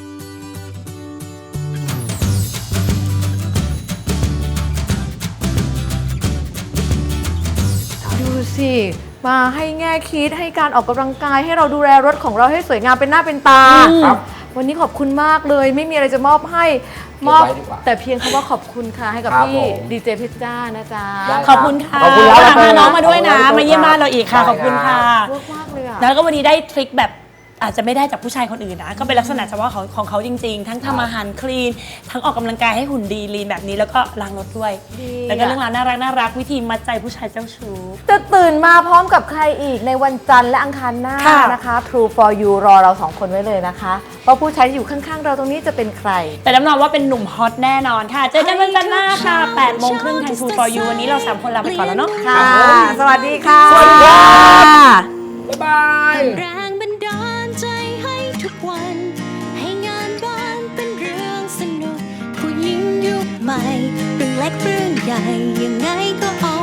Speaker 2: ดูสิ มาให้แง่คิดให้การออกกำลังกายให้เราดูแลรถของเราให้สวยงามเป็นหน้าเป็นตา
Speaker 4: ครับ
Speaker 2: วันนี้ขอบคุณมากเลย ไม่มีอะไรจะมอบให้ม
Speaker 4: เก็
Speaker 2: อ
Speaker 4: บบ ไว้ดีกว่า
Speaker 2: แต่เพียงคำว่าขอบคุณค่ะให้กับ
Speaker 4: ครับ
Speaker 2: พี่
Speaker 4: ผม
Speaker 2: ดีเจเพชรจ้านะจ๊ะ
Speaker 4: ได้
Speaker 3: ขอบคุณค่ะ
Speaker 4: ขอบคุณครับ
Speaker 3: พาน้องมาด้วยนะ
Speaker 4: ขอบคุณครับ
Speaker 3: มาเยี่ยมบ้านเราอีกค่ะ
Speaker 4: ได้
Speaker 3: ขอบคุณค่ะ
Speaker 2: เวิร์กมากเลยอ่ะ
Speaker 3: แล้วก็วันนี้ได้ทริคแบบอาจจะไม่ได้จากผู้ชายคนอื่นนะ ก็เป็นลักษณะเฉพาะของของเขาจริง ๆ ทั้งทำอาหารคลีน ทั้งออกกำลังกายให้หุ่นดีลีนแบบนี้แล้วก็ล้างรถด้วย
Speaker 2: ดี
Speaker 3: แล้วก็เรื่องราวน่ารักน่ารักวิธีมัดใจผู้ชายเจ้าชู้
Speaker 2: จะตื่นมาพร้อมกับใครอีกในวันจันทร์และอังคารหน้า
Speaker 3: ค่ะ
Speaker 2: นะคะ True for you รอเราสองคนไว้เลยนะคะว่าผู้ชายที่อยู่ข้างๆ เราตรงนี้จะเป็นใคร
Speaker 3: แต่รับรองว่าเป็นหนุ่มฮอตแน่นอนค่ะ เจอกันวันจันทร์หน้าค่ะแปดโมงครึ่งทาง True for you วันนี้เราสามคนลาไปก่อนแล้วเนาะ
Speaker 2: ค่ะ สวัสดีค่ะ
Speaker 3: สวัสดีค่ะ
Speaker 4: บ๊ายบาย
Speaker 1: แรงบันดาลใจให้ทุกวัน ให้งานบ้านเป็นเรื่องสนุก ผู้หญิงยุคใหม่เรื่องเล็กเรื่องใหญ่ยังไงก็อ